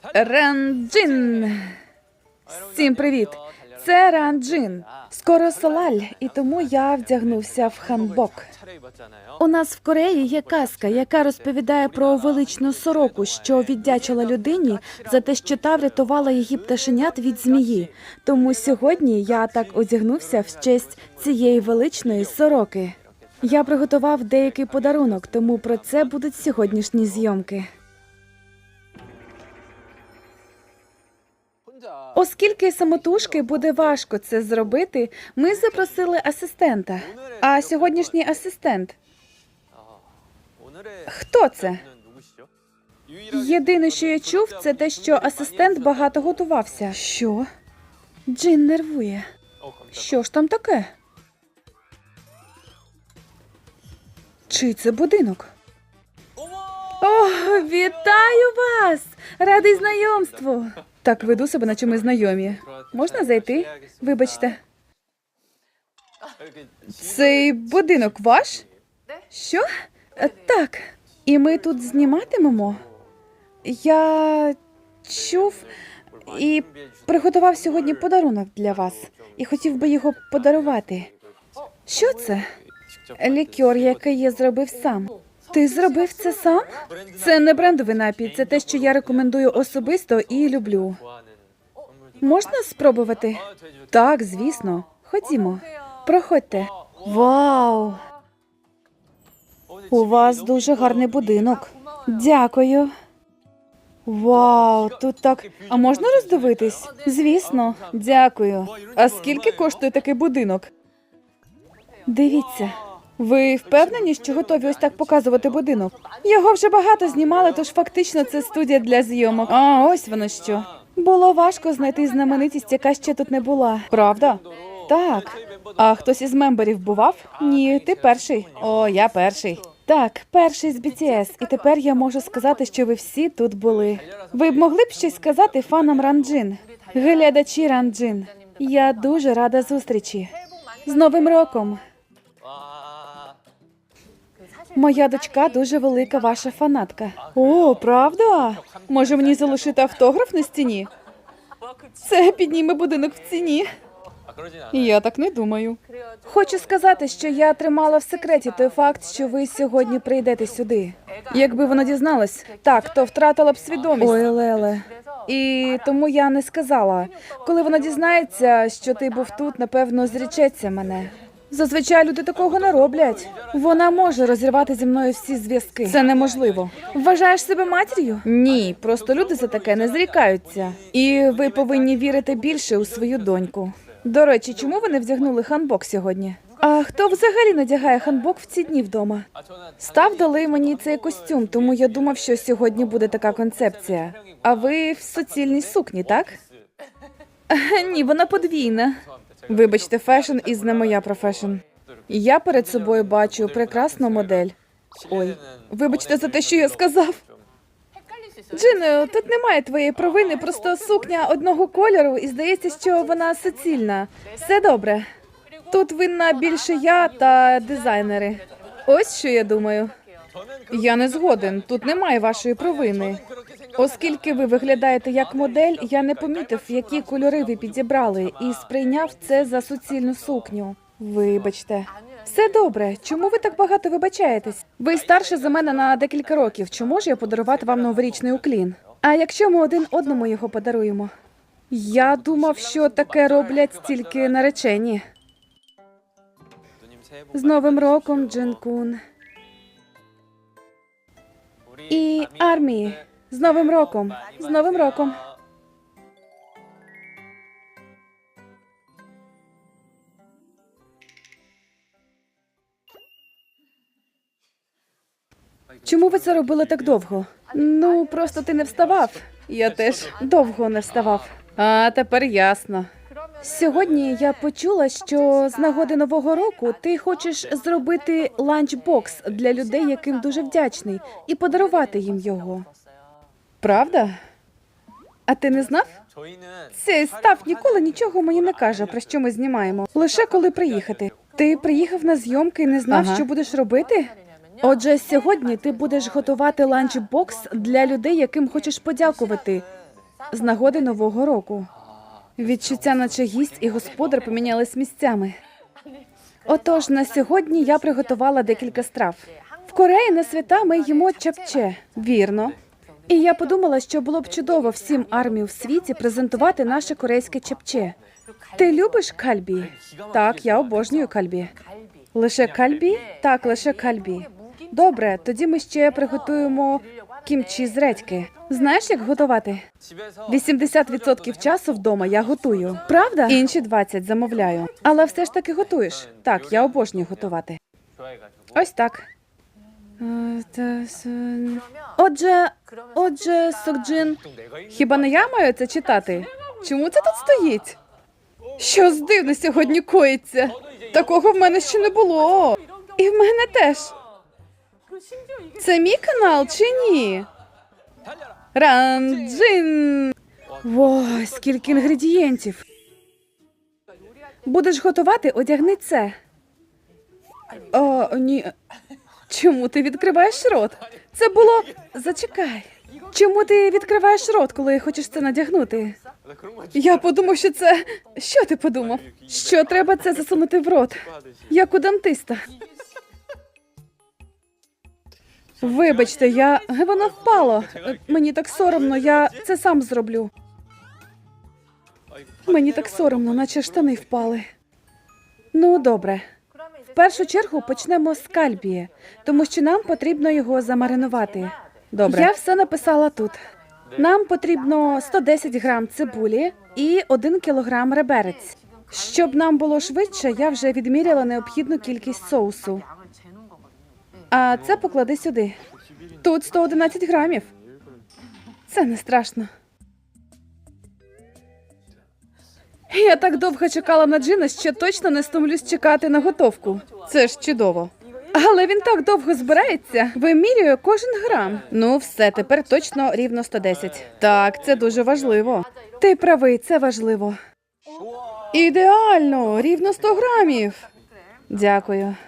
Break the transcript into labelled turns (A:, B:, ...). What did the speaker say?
A: Ранджин! Всім привіт! Це Ранджин. Скоро Солаль, і тому я вдягнувся в ханбок. У нас в Кореї є казка, яка розповідає про величну сороку, що віддячила людині за те, що та врятувала її пташенят від змії. Тому сьогодні я так одягнувся в честь цієї величної сороки. Я приготував деякий подарунок, тому про це будуть сьогоднішні зйомки. Оскільки самотужки буде важко це зробити, ми запросили асистента. А сьогоднішній асистент? Хто це? Єдине, що я чув, це те, що асистент багато готувався. Що? Джин нервує. Що ж там таке? Чий це будинок? О, вітаю вас! Радий знайомству! Так веду себе, наче ми знайомі. Можна зайти? Вибачте. Цей будинок ваш? Що? Так. І ми тут зніматимемо? Я чув і приготував сьогодні подарунок для вас. І хотів би його подарувати. Що це? Лікер, який я зробив сам. Ти зробив це сам? Це не брендовий напій, це те, що я рекомендую особисто і люблю. Можна спробувати? Так, звісно. Ходімо. Проходьте. Вау! У вас дуже гарний будинок. Дякую. Вау, тут так... А можна роздивитись? Звісно. Дякую. А скільки коштує такий будинок? Дивіться. Ви впевнені, що готові ось так показувати будинок? Його вже багато знімали, тож фактично це студія для зйомок. А, ось воно що. Було важко знайти знаменитість, яка ще тут не була. Правда? Так. А хтось із мемберів бував? Ні, ти перший. О, я перший. Так, перший з BTS. І тепер я можу сказати, що ви всі тут були. Ви б могли б щось сказати фанам Ранджин? Глядачі Ранджин. Я дуже рада зустрічі. З Новим роком! Моя дочка дуже велика ваша фанатка. О, правда? Може мені залишити автограф на стіні? Це підніме будинок в ціні. Я так не думаю. Хочу сказати, що я тримала в секреті той факт, що ви сьогодні прийдете сюди. Якби вона дізналась, так, то втратила б свідомість. Ой, Леле. І тому я не сказала. Коли вона дізнається, що ти був тут, напевно, зречеться мене. Зазвичай люди такого не роблять. Вона може розірвати зі мною всі зв'язки. Це неможливо. Вважаєш себе матір'ю? Ні, просто люди за таке не зрікаються. І ви повинні вірити більше у свою доньку. До речі, чому ви не вдягнули ханбок сьогодні? А хто взагалі надягає ханбок в ці дні вдома? Став дали мені цей костюм, тому я думав, що сьогодні буде така концепція. А ви в суцільній сукні, так? Ні, вона подвійна. Вибачте, фешн із не моя профешн. Я перед собою бачу прекрасну модель. Ой, вибачте за те, що я сказав. Джино, тут немає твоєї провини, просто сукня одного кольору, і здається, що вона суцільна. Все добре. Тут винна більше я та дизайнери. Ось що я думаю. Я не згоден, тут немає вашої провини. Оскільки ви виглядаєте як модель, я не помітив, які кольори ви підібрали, і сприйняв це за суцільну сукню. Вибачте. Все добре. Чому ви так багато вибачаєтесь? Ви старше за мене на декілька років. Чи можу я подарувати вам новорічний уклін? А якщо ми один одному його подаруємо? Я думав, що таке роблять тільки наречені. З Новим роком, Джин-кун. І армії. З Новим роком! З Новим роком! Чому ви це робили так довго? Ну, просто ти не вставав. Я теж довго не вставав. А, тепер ясно. Сьогодні я почула, що з нагоди Нового року ти хочеш зробити ланчбокс для людей, яким дуже вдячний, і подарувати їм його. Правда? А ти не знав? Цей став ніколи нічого мені не каже, про що ми знімаємо. Лише коли приїхати. Ти приїхав на зйомки і не знав, що будеш робити? Отже, сьогодні ти будеш готувати ланчбокс для людей, яким хочеш подякувати. з нагоди Нового року. Відчуття, наче гість і господар помінялись місцями. Отож, на сьогодні я приготувала декілька страв. В Кореї на свята ми їмо чапче, вірно. І я подумала, що було б чудово всім армію в світі презентувати наше корейське чапче. Ти любиш кальбі? Так, я обожнюю кальбі. Лише кальбі? Так, лише кальбі. Добре, тоді ми ще приготуємо кімчі з редьки. Знаєш, як готувати? 80% часу вдома я готую. Правда? Інші 20% замовляю. Але все ж таки готуєш. Так, я обожнюю готувати. Ось так. Отже, Сокджин, хіба не я маю це читати? Чому це тут стоїть? Щось дивне сьогодні коїться. Такого в мене ще не було. І в мене теж. Це мій канал чи ні? Ранджин! Ой, скільки інгредієнтів. Будеш готувати, одягни це. О, ні. Чому ти відкриваєш рот? Це було... Зачекай. Чому ти відкриваєш рот, коли хочеш це надягнути? Я подумав, що це... Що ти подумав? Що треба це засунути в рот? Як у дантиста. Вибачте, воно впало. Мені так соромно, я це сам зроблю. Мені так соромно, наче штани впали. Ну, добре. В першу чергу почнемо з кальбі, тому що нам потрібно його замаринувати. Добре. Я все написала тут. Нам потрібно 110 грам цибулі і 1 кілограм реберець. Щоб нам було швидше, я вже відміряла необхідну кількість соусу. А це поклади сюди. Тут 111 грамів. Це не страшно. Я так довго чекала на Джина, що точно не стомлюсь чекати на готовку. Це ж чудово. Але він так довго збирається, вимірює кожен грам. Ну все, тепер точно рівно 110. Так, це дуже важливо. Ти правий, це важливо. Ідеально, рівно 100 грамів. Дякую.